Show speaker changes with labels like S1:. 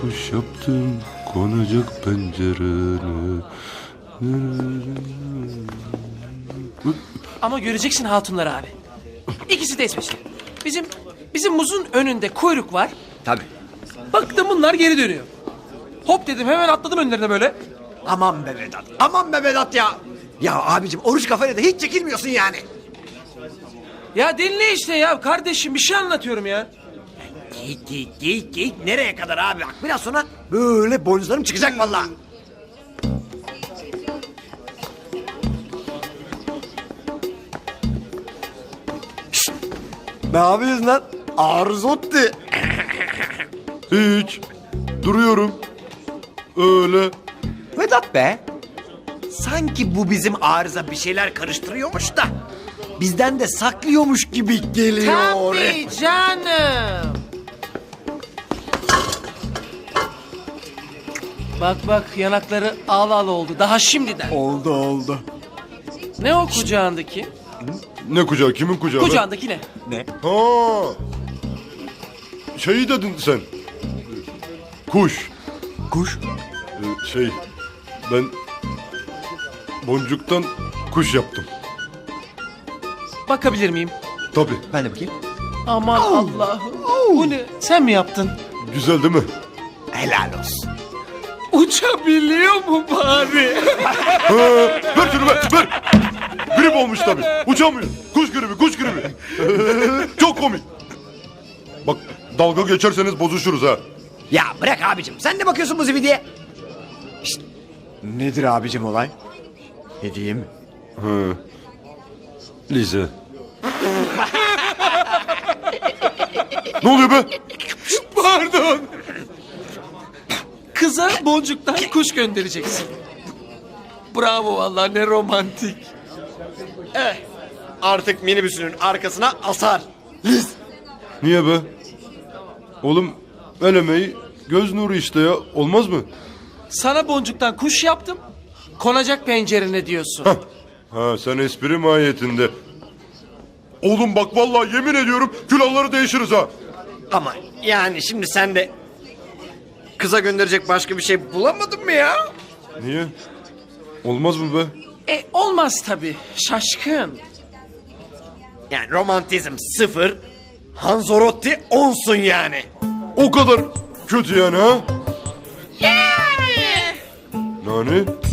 S1: kuş yaptım konacak pencerene.
S2: Ama göreceksin hatunlar abi. İkisi de esmeşli. Bizim muzun önünde kuyruk var.
S3: Tabii.
S2: Baktım bunlar geri dönüyor. Hop dedim, hemen atladım önlerine böyle.
S3: Aman be Vedat. Aman be Vedat ya. Ya abicim oruç kafayla da hiç çekilmiyorsun yani.
S2: Ya dinle işte ya kardeşim, bir şey anlatıyorum ya.
S3: Geyik. Nereye kadar abi? Bak biraz sonra böyle boynuzlarım çıkacak vallahi. Şşt! Ne yapıyorsun lan? Arzotti.
S1: Hiç. Duruyorum. Öyle.
S3: Vedat be. Sanki bu bizim arıza bir şeyler karıştırıyormuş da bizden de saklıyormuş gibi geliyor.
S2: Tabii canım. Bak yanakları al oldu daha şimdiden.
S3: Oldu.
S2: Ne o kucağındaki?
S1: Ne kucağı? Kimin kucağı? lan?
S2: Kucağındaki ne?
S3: Ne?
S1: Ha. Şeyi dedin sen. Kuş.
S3: Kuş.
S1: Ben boncuktan kuş yaptım.
S2: Bakabilir miyim?
S1: Tabii.
S3: Ben de bakayım.
S2: Aman Allah'ım. Bu ne? Sen mi yaptın?
S1: Güzel değil mi?
S3: Helal olsun.
S2: Uçabiliyor mu bari?
S1: Ver şunu ver. Grip olmuş tabii. Uçamıyor. Kuş gribi. Çok komik. Bak dalga geçerseniz bozuşuruz ha.
S3: Ya bırak abicim. Sen ne bakıyorsun bu zibidiye? Şşt. Nedir abicim olay? Hediye mi?
S1: Lize. Ne oluyor be?
S2: Pardon. Kıza boncuktan kuş göndereceksin. Bravo vallahi, ne romantik.
S3: Artık minibüsünün arkasına asar.
S1: Niye be? Oğlum el emeği göz nuru işte ya. Olmaz mı?
S2: Sana boncuktan kuş yaptım. Konacak pencerene diyorsun.
S1: Ha sen espri mahiyetinde. Oğlum bak vallahi yemin ediyorum külahları değişiriz ha.
S3: Ama yani şimdi sen de kıza gönderecek başka bir şey bulamadın mı ya?
S1: Niye? Olmaz mı be?
S2: Olmaz tabii. Şaşkın.
S3: Yani romantizm 0, Hanzorotti 10'sun yani.
S1: O kadar kötü yani ha? Nani?